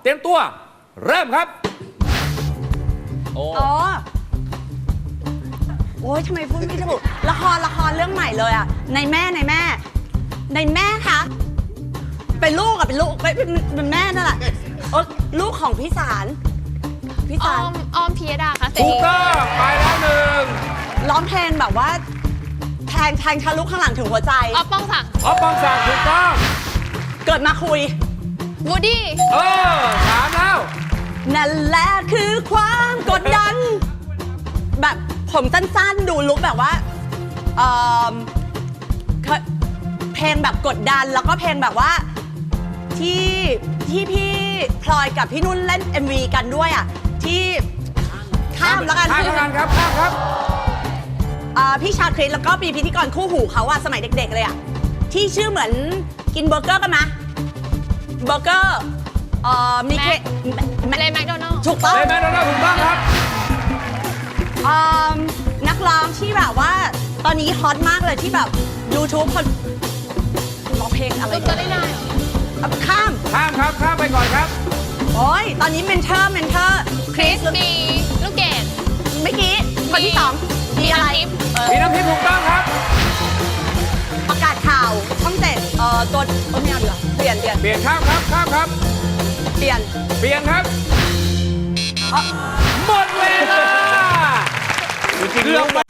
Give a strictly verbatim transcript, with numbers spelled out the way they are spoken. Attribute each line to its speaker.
Speaker 1: ตรียมตัวเริ่มครับโอ้
Speaker 2: อ๋อโอ้ยทำไมพูดไม่ถูกละครละครเรื่องใหม่เลยอ่ะในแม่ในแม่ ในแม่คะเป็นลูกอะเป็นลูกเป็นเป็นเป็นแม่นั่นแหละเออลูกของพี่สารพี่
Speaker 3: อ
Speaker 2: สา
Speaker 3: อ
Speaker 2: ร
Speaker 3: มออมพิยดาค่ะเส
Speaker 1: ถู
Speaker 3: รี
Speaker 1: กต้องไปแล้วหนึ่ง
Speaker 2: ร้องเพลงแบบว่าแทงแทงทะลุข้างหลังถึงหัวใจ
Speaker 3: ออฟป้องศักดิ์
Speaker 1: ออฟปองศักดิ์ถูกต้อง
Speaker 2: เกิดมาคุย
Speaker 3: วูดดี้
Speaker 1: เออถามแล้ว
Speaker 2: นั่นแหละคือความกดดัน แบบผมสั้นๆดูลุกแบบว่าเอ่อเคยเพลงแบบกดดันแล้วก็เพลงแบบว่าที่ที่พี่พลอยกับพี่นุ่นเล่น เอ็ม วี กันด้วยอ่ะที่ข้ามแล้วกัน
Speaker 1: ข้ามแล้วกันครับข้ามครับ
Speaker 2: อ่าพี่ชาคริสแล้วก็ปีพิธีกรคู่หูเขาอะสมัยเด็กๆเลยอะที่ชื่อเหมือนกินเบอร์เกอร์กันมะเบอร์เกอร์เอ่อมีเค
Speaker 3: เลยแมคโดนัลด์
Speaker 2: ถูกต้อง
Speaker 1: เลยแมนโดนัลด์ถูกต้องครับ
Speaker 2: อ่านักร้องที่แบบว่าตอนนี้ฮอตมากเลยที่แบบ YouTube คนร้องเพลงอะไร
Speaker 3: ลูกก็ได้ได้เหรอ
Speaker 2: เอาข้าม
Speaker 1: ข้ามครับข้ามไปก่อนครับ
Speaker 2: โอ้ยตอนนี้เมนเทอร์เมนเทอร์คริส
Speaker 3: มีลูกเกด
Speaker 2: เมื่อกี้คนที่สองมีอะไร
Speaker 3: มีน้ำทิพย์
Speaker 2: เออ
Speaker 1: มีน้ำพริกถูกต้องครับ
Speaker 2: ประกาศข่าวช่องเจ็ดเอ่อตัวเออไม่เอาดีกว่าเปลี่ยนเปลี่ยน
Speaker 1: เปลี่ยนข้ามครับข้ามครับ
Speaker 2: เปลี่ยน
Speaker 1: เปลี่ยนครับ
Speaker 2: เอ่อ
Speaker 1: หมดเวลาเกือบ